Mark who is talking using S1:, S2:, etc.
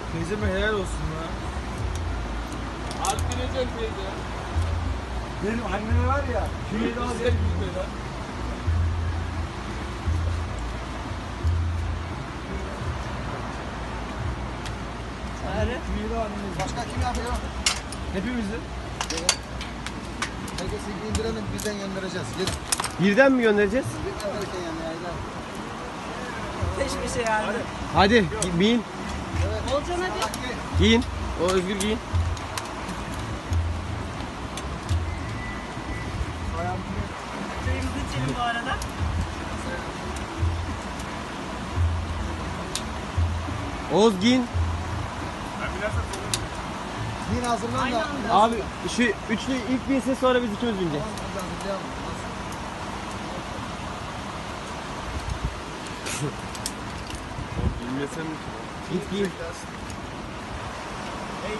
S1: Teyzeme helal olsun ya.
S2: Harbi bineceksin teyze.
S1: Benim anneme var ya. Şurayı da
S2: Güzel gitme lan.
S3: Başka kim yapıyor?
S1: Hepimizin.
S3: Herkesi indirelim bizden göndereceğiz. Gel.
S4: Birden mi göndereceğiz?
S3: Birden derken yani yaylar.
S5: Peş peşe yani.
S4: Hadi giyin.
S5: Olcan hadi.
S4: Giyin. O Özgür giyin.
S5: Çayımızı içelim bu arada.
S4: Oğuz giyin.
S3: Yine hazırlan da.
S4: Abi şu üçlü ilk binsin sonra biz ikimiz bineceğiz.
S2: Bilmesem mi?
S4: Git giyin.